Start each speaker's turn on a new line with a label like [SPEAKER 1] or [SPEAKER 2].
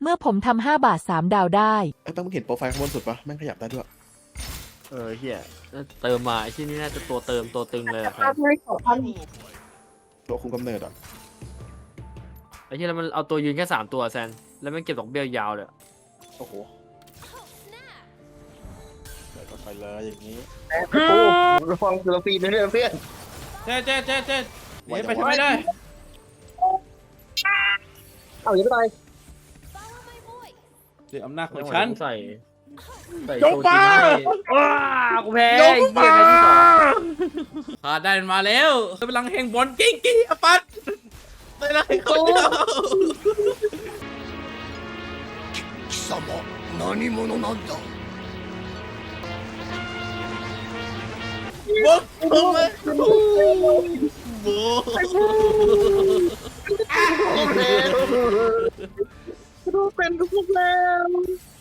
[SPEAKER 1] เมื่อผมทำ5 บาท 3 ดาวได้
[SPEAKER 2] ไอ้ต้องมึงเห็นโปรไฟล์ข้างบนสุดปะแม่งขยับได้ด้วย
[SPEAKER 3] เฮียเติมมาไอ้ที่นี่น่าจะตัวเติมตัวตึงเลยอะแฟน
[SPEAKER 2] ตัวคุมกำเนิดอ่ะ
[SPEAKER 3] ไอ้ที่แล้วมันเอาตัวยืนแค่3 ตัวแซนแล้วมันเก็บดอกเบี้ยยาวเลย
[SPEAKER 2] โอ้โหเปิดไปเลยอย่างนี้
[SPEAKER 4] โอ้ระวังเซลฟี่นะเพื่อน
[SPEAKER 5] เจ๊หนีไปทำไมได้
[SPEAKER 4] เอาอย่าไปตาย
[SPEAKER 5] เดี๋ยวอำนาจข
[SPEAKER 3] ไม่
[SPEAKER 5] อง
[SPEAKER 3] ไหว
[SPEAKER 5] ฉัน
[SPEAKER 3] กูใส่
[SPEAKER 5] ยกมา
[SPEAKER 3] ว้ากูแพ้
[SPEAKER 5] ยก
[SPEAKER 3] ไอ้เหี้
[SPEAKER 5] มาย
[SPEAKER 3] แพ้ที่สอง
[SPEAKER 5] ขาได้มันมาแล้วพลังแห่งบอลกิ้งกี้อปัดได้ไรเขาเดียว
[SPEAKER 6] 貴様何者なんだ
[SPEAKER 5] บุ๊กลงเลยบุ๊ก
[SPEAKER 4] ดูเป็นทุกแล้ว